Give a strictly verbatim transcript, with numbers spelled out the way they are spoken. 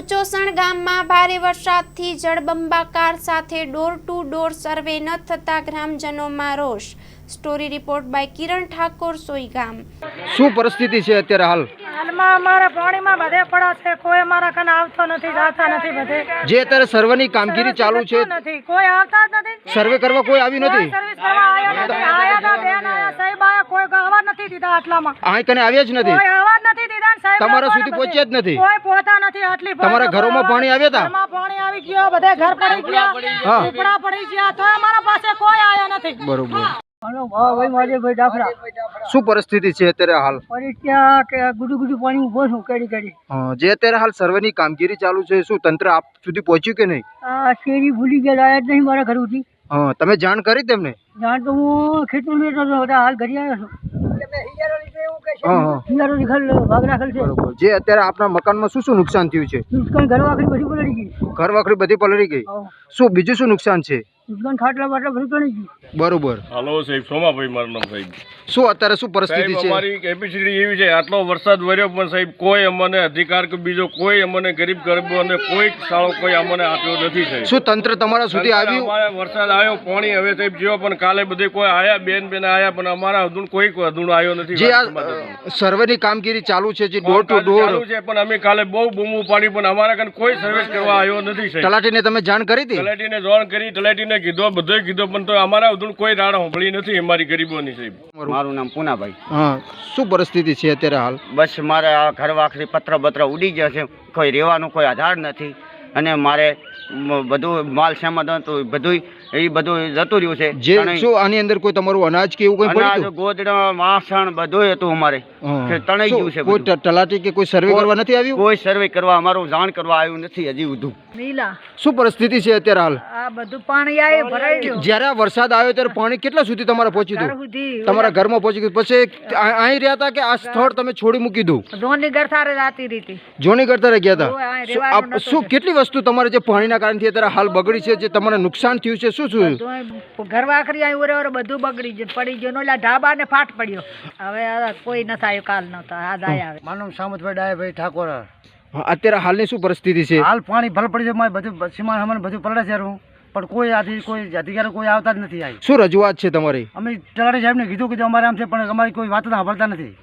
ઉચોસણ ગામમાં ભારે વરસાદથી જળબંબાકાર સાથે ડોર ટુ ડોર સર્વે ન થતા ગ્રામજનોમાં રોષ। Story report by Kiran Thakor, Suigam. શું પરિસ્થિતિ છે અત્યારે હાલ? હાલમાં અમારા પાણીમાં બધે પડ્યા છે, કોઈ અમારા કને આવતો નથી, જાતા નથી બધે। જે અત્યારે સર્વેની કામગીરી ચાલુ છે, નથી કોઈ આવતા જ નથી, સર્વે કરવા કોઈ આવ્યું નથી, સર્વિસ કરવા આયા નથી, આયા હતા બેન આયા સાહેબ આયા, કોઈ આવવા નથી દીધા, આટલામાં અહીં કને આવ્યા જ નથી, કોઈ આવવા જ નથી દીધા, સાહેબ તમારા સુધી પહોંચ્યા જ નથી, કોઈ પહોંચતા નથી, આટલી તમારા ઘરોમાં પાણી આવ્યા હતા, ઘરમાં પાણી આવી ગયો, બધે ઘર પડી ગયા, ઝૂંપડા પડી ગયા, તો અમારા પાસે કોઈ આયા નથી। બરોબર। શું શું પરિસ્થિતિ છે અત્યારે હાલ? ત્યાં કે ગુડુ ગુડુ પાણી ઉભો છું કેડી કેડી। હા, જે અત્યારે હાલ સર્વેની કામગીરી ચાલુ છે, શું તંત્ર આપ સુધી પહોંચ્યું કે નહીં? આ શેરી ભૂલી ગયા, આયા જ નહીં મારા ઘર સુધી। હા, તમે જાણ કરી તેમને? જાણ તો હું ખેતરમાં બેઠો હતો, બધા હાલ ઘરે આવ્યો છું। હા હા, હિયારો નિખલ ભાગ રાખેલ છે। બરોબર। જે અત્યારે આપણા મકાનમાં શું શું નુકસાન થયું છે? દુકાન ઘર વાખરી બધી પલળી ગઈ, ઘર વાખરી બધી પલળી ગઈ, શું બીજું શું નુકસાન છે? દુકાન ખાટલા બાટલા બધું પલળી ગયું। બરોબર। હાલો સાહેબ, સોમાભાઈ મારું નામ સાહેબ। શું અત્યારે શું પરિસ્થિતિ છે? અમારી કેપેસિટી એવી છે, આટલો વરસાદ વર્યો પણ સાહેબ કોઈ અમને અધિકાર કે બીજો કોઈ અમને ગરીબ ગરીબોને કોઈ સાળો કોઈ અમને આપ્યો નથી સાહેબ। શું તંત્ર તમારા સુધી આવ્યું? અમારે વરસાદ આવ્યો, પાણી હવે સાહેબ જેવો, પણ કાલે બધે કોઈ આયા, બેન બેન આયા, પણ અમારા હદું કોઈ હદું આવ્યો નથી। જે આ સર્વેની કામગીરી ચાલુ છે, જે ડોર ટુ ડોર ચાલુ છે, પણ અમે કાલે બહુ બૂમો પાડી, પણ અમારા કાન કોઈ સર્વિસ કરવા આવ્યો નથી સાહેબ। તલાટીને તમે જાણ કરી હતી? તલાટીને જાણ કરી, તલાટીને કીધો, બધોય કીધો, પણ તો અમારા હદું કોઈ રાડ સાંભળી નથી અમારી ગરીબોની સાહેબ। મારું નામ પૂનાભાઈ। હા, શું પરિસ્થિતિ છે અત્યારે હાલ? બસ મારે આ ઘર વાખરી પત્ર બત્ર ઉડી ગયા છે, કોઈ રહેવાનું કોઈ આધાર નથી, અને મારે મ- બધું માલ સામાન હતું બધું એ બધું જતું રહ્યું છે। જે ત્રણેય શું આની અંદર કોઈ તમારું અનાજ કે એવું કંઈ અનાજ પડ્યું? ગોદડા વાસણ બધું હતું અમારે, કે તણાઈ ગયું છે કોઈ બધું। ત- તલાટી કે કોઈ સર્વે કરવા નથી આવ્યું? કોઈ સર્વે કરવા અમારું જાણ કરવા આવ્યું નથી હજી બધું। નીલા શું પરિસ્થિતિ છે અત્યારે હાલ? આ બધું પાણી આવી ભરાઈ ગયું, જ્યારે આ વરસાદ આવ્યો ત્યારે પાણી કેટલા સુધી તમારે પહોંચ્યું ઘર હતું? સુધી તમારા ઘરમાં પહોંચી ગયું, પછી આ- અહીં રહ્યા હતા કે આ સ્થળ તમે છોડી મૂકી દઉં? ધોની ઘર થારે જાતી રીતી જોની કરતા ગયા હતા? ઓય, અહીં શું રહેવાનું આપ- નતું શું છે। કેટલી વસ્તુ તમારે જે પાણીના કારણથી અત્યારે હાલ બગડી છે, જે તમારે નુકસાન થયું છે, શું શું? ઘર વાખરી આવી ઓરે ઓરે બધું બગડી ગયું, પડી ગયું, ઓલા ઢાબા ને ફાટ પડ્યો, હવે આ કોઈ ન થાય, કાલ ન થાય, આજ આયા આવે। મારું નામ સામતભાઈ ડાયાભાઈ ઠાકોર। હા, અત્યારે હાલની શું પરિસ્થિતિ છે? હાલ પાણી ભલ પડી છે, મારે બધું સીમાન સામાન બધું પલળે છે, હારું. પણ કોઈ આથી કોઈ અધિકારી કોઈ આવતા જ નથી। આવી શું રજૂઆત છે તમારી? અમે તલાટી સાહેબને કીધું કીધું અમારે આમ છે, પણ અમારી કોઈ વાત સાંભળતા નથી।